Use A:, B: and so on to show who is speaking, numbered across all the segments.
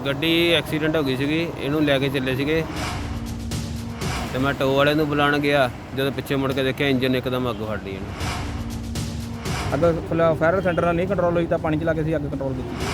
A: ਗੱਡੀ ਐਕਸੀਡੈਂਟ ਹੋ ਗਈ ਸੀਗੀ, ਇਹਨੂੰ ਲੈ ਕੇ ਚੱਲੇ ਸੀਗੇ ਤੇ ਮੈਂ ਟੋ ਵਾਲੇ ਨੂੰ ਬੁਲਾਉਣ ਗਿਆ। ਜਦੋਂ ਪਿੱਛੇ ਮੁੜ ਕੇ ਦੇਖਿਆ ਇੰਜਨ ਇੱਕਦਮ ਅੱਗ ਫੜ ਲਈ ਇਹਨੂੰ।
B: ਅੱਗ ਫਾਇਰ ਸੈਂਟਰ ਨਾਲ ਨਹੀਂ ਕੰਟਰੋਲ ਹੋਈ ਤਾਂ ਪਾਣੀ ਚਲਾ ਕੇ ਅਸੀਂ ਅੱਗ ਕੰਟਰੋਲ ਕੀਤੀ।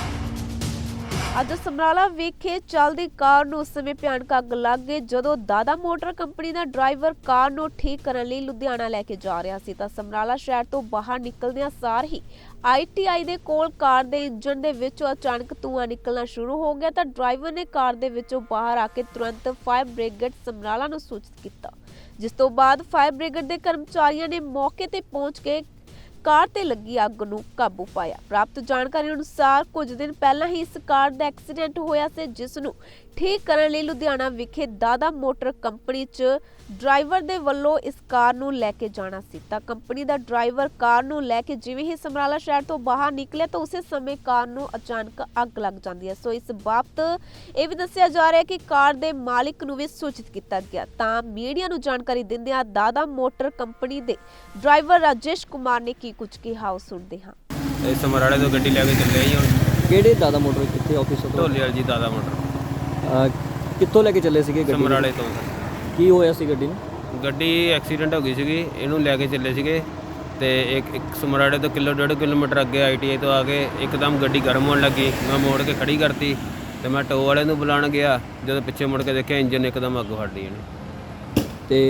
C: ਅੱਜ ਸਮਰਾਲਾ ਵਿਖੇ ਚੱਲਦੀ ਕਾਰ ਨੂੰ ਉਸ ਸਮੇਂ ਭਿਆਨਕ ਅੱਗ ਲੱਗ ਗਈ ਜਦੋਂ ਦਾਦਾ ਮੋਟਰ ਕੰਪਨੀ ਦਾ ਡਰਾਈਵਰ ਕਾਰ ਨੂੰ ਠੀਕ ਕਰਨ ਲਈ ਲੁਧਿਆਣਾ ਲੈ ਕੇ ਜਾ ਰਿਹਾ ਸੀ ਤਾਂ ਸਮਰਾਲਾ ਸ਼ਹਿਰ ਤੋਂ ਬਾਹਰ ਨਿਕਲਦਿਆਂ ਸਾਰ ਹੀ ITI ਦੇ ਕੋਲ ਕਾਰ ਦੇ ਇੰਜਨ ਦੇ ਵਿੱਚੋਂ ਅਚਾਨਕ ਧੂੰਆਂ ਨਿਕਲਣਾ ਸ਼ੁਰੂ ਹੋ ਗਿਆ ਤਾਂ ਡਰਾਈਵਰ ਨੇ ਕਾਰ ਦੇ ਵਿੱਚੋਂ ਬਾਹਰ ਆ ਕੇ ਤੁਰੰਤ ਫਾਇਰ ਬ੍ਰਿਗੇਡ ਸਮਰਾਲਾ ਨੂੰ ਸੂਚਿਤ ਕੀਤਾ, ਜਿਸ ਤੋਂ ਬਾਅਦ ਫਾਇਰ ਬ੍ਰਿਗੇਡ ਦੇ ਕਰਮਚਾਰੀਆਂ ਨੇ ਮੌਕੇ ਤੇ ਪਹੁੰਚ ਕੇ ਕਾਰ ਤੇ ਲੱਗੀ ਅੱਗ ਨੂੰ ਕਾਬੂ ਪਾਇਆ। ਪ੍ਰਾਪਤ ਜਾਣਕਾਰੀ ਅਨੁਸਾਰ ਕੁਝ ਦਿਨ ਪਹਿਲਾਂ ਹੀ ਇਸ ਕਾਰ ਦਾ ਐਕਸੀਡੈਂਟ ਹੋਇਆ ਸੀ, ਜਿਸ ਨੂੰ ਠੀਕ ਕਰਨ ਲਈ ਲੁਧਿਆਣਾ ਵਿਖੇ ਦਾਦਾ ਮੋਟਰ ਕੰਪਨੀ 'ਚ ਡਰਾਈਵਰ ਦੇ ਵੱਲੋਂ ਇਸ ਕਾਰ ਨੂੰ ਲੈ ਕੇ ਜਾਣਾ ਸੀ ਤਾਂ ਕੰਪਨੀ ਦਾ ਡਰਾਈਵਰ ਕਾਰ ਨੂੰ ਲੈ ਕੇ ਜਿਵੇਂ ਹੀ ਸਮਰਾਲਾ ਸ਼ਹਿਰ ਤੋਂ ਬਾਹਰ ਨਿਕਲਿਆ ਤਾਂ ਉਸੇ ਸਮੇਂ ਕਾਰ ਨੂੰ ਅਚਾਨਕ ਅੱਗ ਲੱਗ ਜਾਂਦੀ ਹੈ। ਸੋ ਇਸ ਬਾਬਤ ਇਹ ਵੀ ਦੱਸਿਆ ਜਾ ਰਿਹਾ ਹੈ ਕਿ ਕਾਰ ਦੇ ਮਾਲਿਕ ਨੂੰ ਵੀ ਸੂਚਿਤ ਕੀਤਾ ਗਿਆ ਤਾਂ ਮੀਡੀਆ ਨੂੰ ਜਾਣਕਾਰੀ ਦਿੰਦਿਆਂ ਦਾਦਾ ਮੋਟਰ ਕੰਪਨੀ ਦੇ ਡਰਾਈਵਰ ਰਾਜੇਸ਼ ਕੁਮਾਰ ਨੇ ਕੀ ਕੁਝ ਕਿਹਾ, ਆਓ ਸੁਣਦੇ ਹਾਂ।
A: ਇਹ ਸਮਰਾਲੇ ਤੋਂ ਗੱਡੀ ਲੈ ਕੇ ਚੱਲੇ ਜੀ ਹੁਣ।
D: ਕਿਹੜੇ ਦਾਦਾ ਮੋਟਰ ਕਿੱਥੇ ਆਫਿਸ ਤੋਂ?
A: ਢੋਲੇ ਵਾਲੀ ਜੀ ਦਾਦਾ ਮੋਟਰ
D: ਕਿੱਥੋਂ ਲੈ ਕੇ ਚੱਲੇ ਸੀਗੇ ਗੱਡੀ?
A: ਸਮਰਾਲੇ ਤੋਂ।
D: ਕੀ ਹੋਇਆ ਸੀ ਗੱਡੀ ਨੂੰ?
A: ਗੱਡੀ ਐਕਸੀਡੈਂਟ ਹੋ ਗਈ ਸੀਗੀ, ਇਹਨੂੰ ਲੈ ਕੇ ਚੱਲੇ ਸੀਗੇ ਤੇ ਇੱਕ ਸਮਰਾਲੇ ਤੋਂ 1.5 ਕਿਲੋਮੀਟਰ ਅੱਗੇ ITI ਤੋਂ ਆ ਕੇ ਇੱਕਦਮ ਗੱਡੀ ਗਰਮ ਹੋਣ ਲੱਗੀ। ਮੈਂ ਮੋੜ ਕੇ ਖੜੀ ਕਰਤੀ ਤੇ ਮੈਂ ਟੋ ਵਾਲੇ ਨੂੰ ਬੁਲਾਉਣ ਗਿਆ। ਜਦੋਂ ਪਿੱਛੇ ਮੁੜ ਕੇ ਦੇਖਿਆ ਇੰਜਨ ਇੱਕਦਮ ਅੱਗ ਫੜ ਲਈ ਇਹਨੂੰ।
D: ਤੇ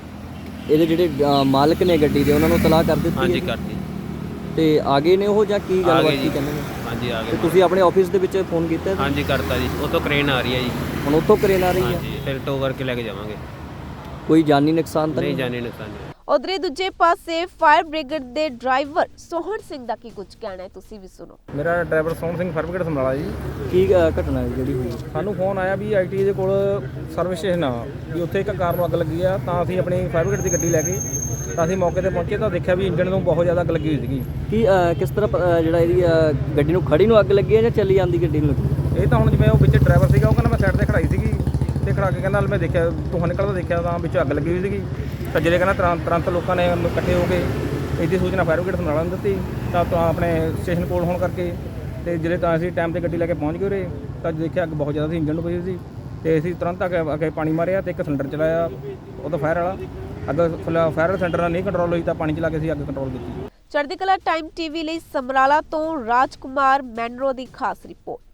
D: ਇਹਦੇ ਜਿਹੜੇ ਮਾਲਕ ਨੇ ਗੱਡੀ ਦੇ ਉਹਨਾਂ ਨੂੰ ਤਲਾਹ ਕਰ ਦਿੱਤੀ?
A: ਹਾਂਜੀ
D: ਹੈ?
A: ਕਰਤੀ।
D: ਤੇ ਆ ਗਏ ਨੇ ਉਹ ਜਾਂ ਕੀ ਗੱਲਬਾਤ ਕੀ ਕਹਿੰਦੇ ਨੇ?
A: ਹਾਂਜੀ ਆ
D: ਤੇ
A: ਗਏ।
D: ਤੁਸੀਂ ਆਪਣੇ ਆਫਿਸ ਦੇ ਵਿੱਚ ਫੋਨ ਕੀਤਾ?
A: ਹਾਂਜੀ ਕਰਤਾ ਜੀ, ਉਹ ਤੋਂ ਕ੍ਰੇਨ ਆ ਰਹੀ ਹੈ ਜੀ।
D: ਹੁਣ ਉੱਥੋਂ ਕਰੇਨ ਆ ਰਹੀ ਹੈ?
A: ਹਾਂਜੀ ਫਿਰ ਟੋ ਕਰਕੇ ਲੈ ਕੇ ਜਾਵਾਂਗੇ।
D: ਕੋਈ ਜਾਨੀ ਨੁਕਸਾਨ ਤਾਂ
A: ਨਹੀਂ ਜਾਣੀ ਨੁਕਸਾਨ ਨਹੀਂ।
C: ਉਧਰੇ ਦੂਜੇ ਪਾਸੇ ਫਾਇਰ ਬ੍ਰਿਗੇਡ ਦੇ ਡਰਾਈਵਰ ਸੋਹਣ ਸਿੰਘ ਦਾ ਕੀ ਕੁਝ ਕਹਿਣਾ ਹੈ, ਤੁਸੀਂ ਵੀ ਸੁਣੋ।
B: ਮੇਰਾ driver Sohan Singh fire brigade Samrala ji.
D: ਕੀ ਘਟਨਾ ਹੈ ਜਿਹੜੀ ਹੋਈ?
B: ਸਾਨੂੰ ਫੋਨ ਆਇਆ ਵੀ ITI ਦੇ ਕੋਲ ਸਰਵਿਸ ਸਟੇਸ਼ਨ ਆ ਵੀ ਉੱਥੇ ਇੱਕ ਕਾਰ ਨੂੰ ਅੱਗ ਲੱਗੀ ਆ ਤਾਂ ਅਸੀਂ ਆਪਣੀ ਫਾਇਰ ਬ੍ਰਿਗੇਡ ਦੀ ਗੱਡੀ ਲੈ ਕੇ ਤਾਂ ਅਸੀਂ ਮੌਕੇ ਤੇ ਪਹੁੰਚੇ ਤਾਂ ਦੇਖਿਆ ਵੀ ਇੰਜਨ ਨੂੰ ਬਹੁਤ ਜ਼ਿਆਦਾ ਅੱਗ ਲੱਗੀ ਹੋਈ ਸੀਗੀ।
D: ਕੀ ਕਿਸ ਤਰ੍ਹਾਂ ਜਿਹੜਾ ਇਹਦੀ ਗੱਡੀ ਨੂੰ ਖੜੀ ਨੂੰ ਅੱਗ ਲੱਗੀ ਹੈ ਜਾਂ ਚੱਲੀ ਜਾਂਦੀ ਗੱਡੀ ਨੂੰ ਲੱਗੀ?
B: ਇਹ ਤਾਂ ਹੁਣ ਜਿਵੇਂ ਉਹ ਵਿੱਚ ਡਰਾਈਵਰ ਸੀਗਾ ਉਹ ਕਹਿੰਦਾ ਮੈਂ ਸਾਈਡ ਤੇ ਖੜਾਈ ਸੀਗੀ ਤੇ ਖੜਾ ਕੇ ਕਹਿੰਦਾ ਮੈਂ ਦੇਖਿਆ ਧੂੰਆਂ ਨਿਕਲਦਾ ਦੇਖਿਆ ਤਾਂ ਵਿੱਚ ਅੱਗ ਲੱਗੀ ਹੋਈ ਸੀਗੀ ਤਾਂ ਜਿਹੜੇ ਕਹਿੰਦਾ ਤੁਰੰਤ ਲੋਕਾਂ ਨੇ ਇਕੱਠੇ ਹੋ ਕੇ ਇਹਦੀ ਸੂਚਨਾ ਫਾਇਰ ਬ੍ਰਿਗੇਡ ਸਮਰਾਲਾ ਨੂੰ ਦਿੱਤੀ ਤਾਂ ਆਪਣੇ ਸਟੇਸ਼ਨ ਕੋਲ ਹੋਣ ਕਰਕੇ ਤੇ ਜਿਹੜੇ ਤਾਂ ਅਸੀਂ ਟਾਈਮ ਤੇ ਗੱਡੀ ਲੈ ਕੇ ਪਹੁੰਚ ਗਏ ਉਰੇ ਤਾਂ ਦੇਖਿਆ ਅੱਗ ਬਹੁਤ ਜ਼ਿਆਦਾ ਸੀ, ਇੰਜਨ ਨੂੰ ਪਈ ਸੀ ਤੇ ਅਸੀਂ ਤੁਰੰਤ ਅੱਗੇ ਪਾਣੀ ਮਾਰਿਆ ਤੇ ਇੱਕ ਸਿਲੰਡਰ ਚਲਾਇਆ ਉਹਦਾ ਫਾਇਰ ਵਾਲਾ। ਅੱਗ ਫਾਇਰ ਸੈਂਟਰ ਨਾਲ ਨਹੀਂ ਕੰਟਰੋਲ ਹੋਈ ਤਾਂ ਪਾਣੀ ਚਲਾ ਕੇ ਅਸੀਂ ਅੱਗ ਕੰਟਰੋਲ ਕੀਤੀ।
C: ਚੜ੍ਹਦੀ ਕਲਾ ਟਾਈਮ TV ਲਈ ਸਮਰਾਲਾ ਤੋਂ ਰਾਜਕੁਮਾਰ ਮੈਨਰੋ ਦੀ ਖਾਸ ਰਿਪੋਰਟ।